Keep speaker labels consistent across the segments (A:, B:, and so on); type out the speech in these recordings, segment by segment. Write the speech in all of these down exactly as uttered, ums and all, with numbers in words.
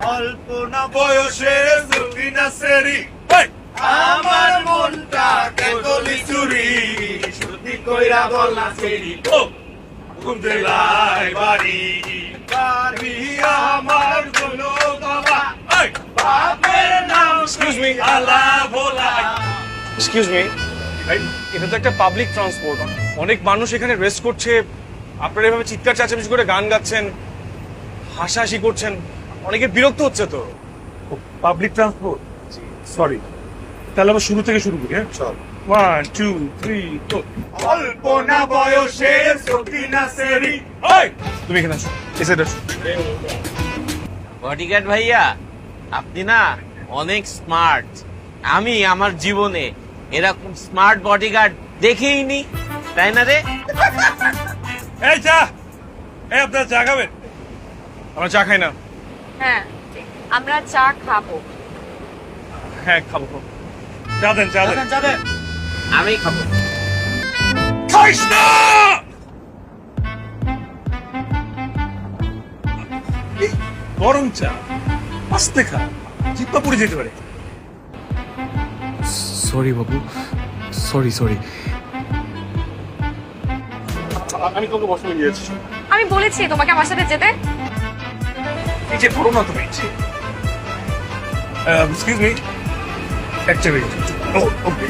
A: অল্প না বয়সে সুফিনা সেরি আমার মনটা কেতলি চুরি সত্যি কইরা বল না সেরি ও কোন জেলায় বাড়ি বাড়ি আমার গুলো বাবা বাপের নাম এক্সকিউজ মি আলা ভোলা
B: এক্সকিউজ মি এটা তো একটা পাবলিক ট্রান্সপোর্ট, অনেক মানুষ এখানে রেস্ট করছে, আপনারা এভাবে চিৎকার চেঁচামেচি করে গান গাচ্ছেন, হাসাহাসি করছেন, অনেকে বিরক্ত হচ্ছে তো।
A: পাবলিক ট্রান্সপোর্ট সরি, তাহলে আবার শুরু থেকে শুরু করি। হ্যাঁ চল, ওয়ান টু থ্রি ফোর। অল্প না বয়সে সকিনা সেরি
B: তুমি এখানে আসো, এসে আসো।
C: বডিগার্ড ভাইয়া, আপনি না অনেক স্মার্ট। আমি আমার জীবনে এরকম স্মার্ট বডিগার্ড দেখেইনি, তাই না রে?
A: এই চা, এই আপনার চা খাবেন?
B: আমরা চা খাই না।
D: হ্যাঁ, আমরা চা খাবো।
B: হ্যাঁ খাবো খাবো।
A: চা দেন, চা দেন, চা দেন।
C: আমি খাবো।
A: খাইস না! এই গরম চা আস্তে খা, জিব্বা পুড়ে যেতে পারে।
E: সরি বাবু, সরি সরি।
B: আমি তোকে বসে গিয়েছি।
D: আমি বলেছি তোমাকে আমার সাথে যেতে।
A: এই যে বড় না তুমি। এক্সকিউজ মি, একটা মিনিট। Oh okay.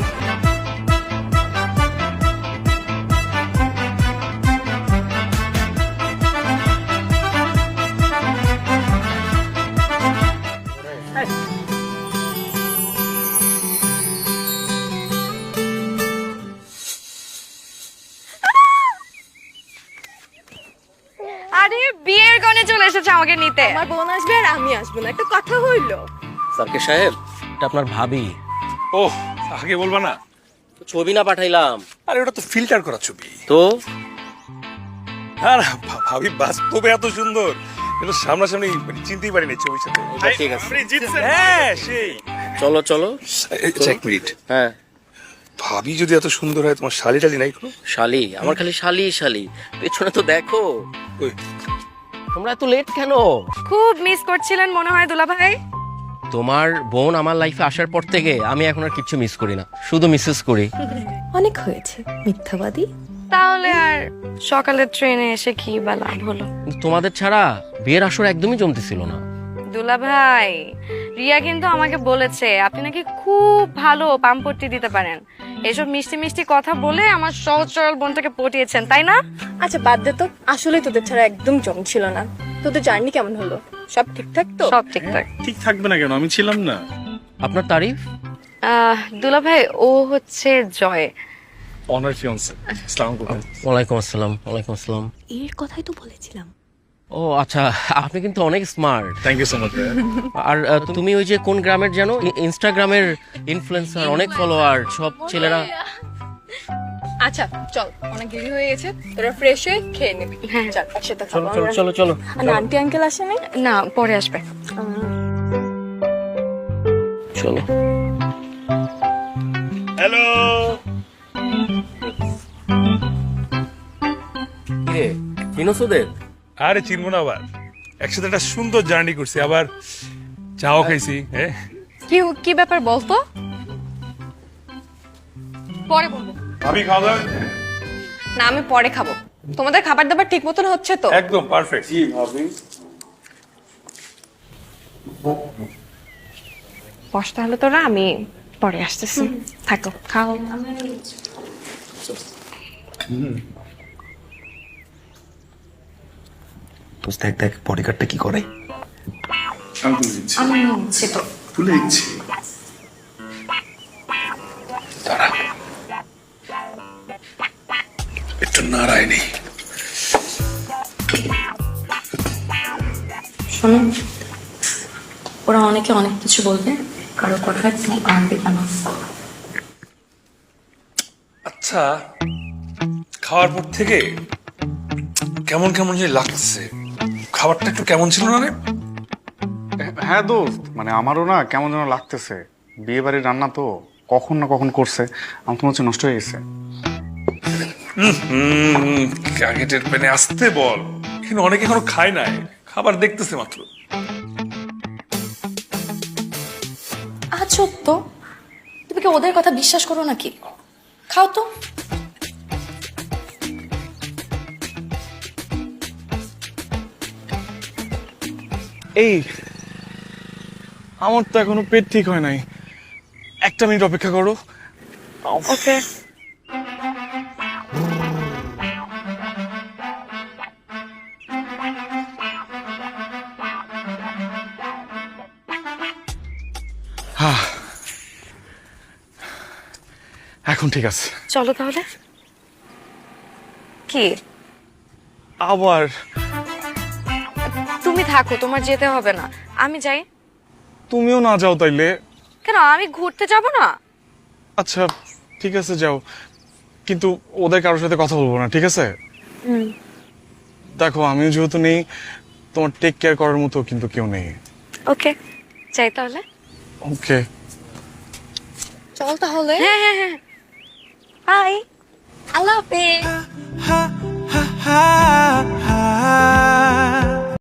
D: আরে বিয়ের গনে চলে এসেছে আমাকে নিতে।
F: আমার বোন আসবে আর আমি আসবো না, একটা কথা হইলো।
G: সার্কে সাহেব, এটা আপনার ভাবি।
A: ও আগে বলবা না?
G: ছবি না পাঠাইলাম
A: আরে ওটা তো ফিল্টার করা ছবি।
G: তো
A: আর ভা- ভাবি বাস্তবে এত সুন্দর, কিন্তু সামনাসামনি মানে চিনতেই পারিনি ছবির সাথে।
G: আচ্ছা, ঠিক আছে।
A: আপনি জিতছেন। হ্যাঁ সেই।
G: চলো চলো।
A: এক মিনিট,
G: হ্যাঁ,
A: ভাবি যদি এত সুন্দর হয়, তোমার শালি টালি নাই কোনো?
G: শালি আমার খালি শালি শালি। পেছনে তো দেখো।
A: ওই
G: তোমরা এত লেট কেন?
D: খুব মিস করছিলেন মনে হয় দুলা ভাই।
G: তোমার বোন আমার লাইফে আসার পর থেকে আমি এখন আর কিছু মিস করি না, শুধু মিসেস করি।
F: অনেক হয়েছে মিথ্যাবাদী।
D: তাহলে আর সকালের ট্রেনে এসে কি বা লাভ হলো?
G: কিন্তু তোমাদের ছাড়া বিয়ের আসর একদমই জমতেছিল না।
D: দুলা ভাই, রিয়া কিন্তু আমাকে বলেছে আপনি নাকি খুব ভালো পাম্পট্টি দিতে পারেন। এসব মিষ্টি মিষ্টি কথা বলে আমার সহজ সরল বোনটাকে পটিয়েছেন, তাই না?
F: আচ্ছা বাদ দে তো, আসলে তোদের ছাড়া একদম জম ছিল না। তোদের জার্নি কেমন হলো? সব ঠিকঠাক তো?
D: সব ঠিকঠাক।
B: ঠিক থাকবে না কেন, আমি ছিলাম না।
G: আপনার তারিফ?
D: আহ, দুলা ভাই ও হচ্ছে জয়।
B: Honour fiancée. আসসালামু আলাইকুম।
G: ওয়ালাইকুম আসসালাম। ওয়ালাইকুম আসসালাম।
F: এর কথাই তো বলেছিলাম।
G: ও আচ্ছা, আপনি কিন্তু অনেক smart.
B: Thank you so much.
G: আর আহ, তুমি ওই যে কোন গ্রামের জানো? ই- ইনস্টাগ্রামের ইনফ্লুয়েন্সার, অনেক ফলোয়ার, সব ছেলেরা।
F: আচ্ছা চল, অনেক দেরি হয়ে গেছে, তোরা ফ্রেশ হয়ে খেয়ে নিবি। হ্যাঁ চল একসাথে খাবো।
G: চলো চলো চলো।
F: আর আন্টি আঙ্কেল আসেনি?
D: না, পরে আসবে।
G: চলো।
A: হ্যালো।
G: কিরে, চিনোস ওদের?
A: আরে চিনবো না আবার, একসাথে একটা সুন্দর জার্নি করছি, আবার চাও খাইছি। হ্যাঁ
D: কি কি ব্যাপার বলতো? পরে বলবো।
A: ভাবি খাওয়া দাওয়া
F: না, আমি পরে খাবো। তোমাদের খাবার দাবার ঠিক মতন হচ্ছে তো?
A: একদম পারফেক্ট। জি ভাবি।
D: বস তাহলে তোরা, আমি পরে আসতেছি। থাকো, খাও।
H: দেখ দেখ বডিগার্ডটা কি করে।
D: আমি হচ্ছে তো
H: তুলে দিচ্ছি। দাঁড়া, একটু নাড়াই নেই।
I: শোনো, ওরা অনেকে অনেক কিছু বলবে, কারো কথায় তুমি আনবে কেন?
A: আচ্ছা, খাওয়ার পর থেকে কেমন কেমন যে লাগছে, খাবারটা একটু কেমন ছিল না রে?
E: হ্যাঁ দোস্ত, মানে আমারও না কেমন যেন লাগতেছে। বিয়ে বাড়ির রান্না তো কখন না কখন করছে, আমার তো মনে হচ্ছে নষ্ট হয়ে গেছে।
A: হম ক্যাকেটের পেনে আসতে বল, কিন্তু অনেকে এখনো খায় নাই, খাবার দেখতেছে মাত্র।
I: আজব তো, তুমি কি ওদের কথা বিশ্বাস করো নাকি? খাও তো।
B: এই আমার তো এখনো পেট ঠিক হয় নাই, একটা মিনিট অপেক্ষা করো।
D: ওকে।
B: হ্যাঁ, এখন ঠিক আছে।
D: চলো তাহলে। কি?
B: আবার
D: তুমি থাকো, তোমার যেতে হবে না, আমি যাই।
B: তুমিও না যাও তাইলে?
D: কেন, আমি ঘুরতে যাব না?
B: আচ্ছা ঠিক আছে যাও, কিন্তু ওদের কারোর সাথে কথা বলবো না, ঠিক আছে? দেখো আমিও যেহেতু নেই, তোমার টেক কেয়ার করার মতো কিন্তু কেউ নেই।
D: ওকে, যাই তাহলে।
B: ওকে।
F: চল তাহলে।
D: হ্যাঁ হ্যাঁ হ্যাঁ, বাই।
F: আল্লাহ হাফেজ।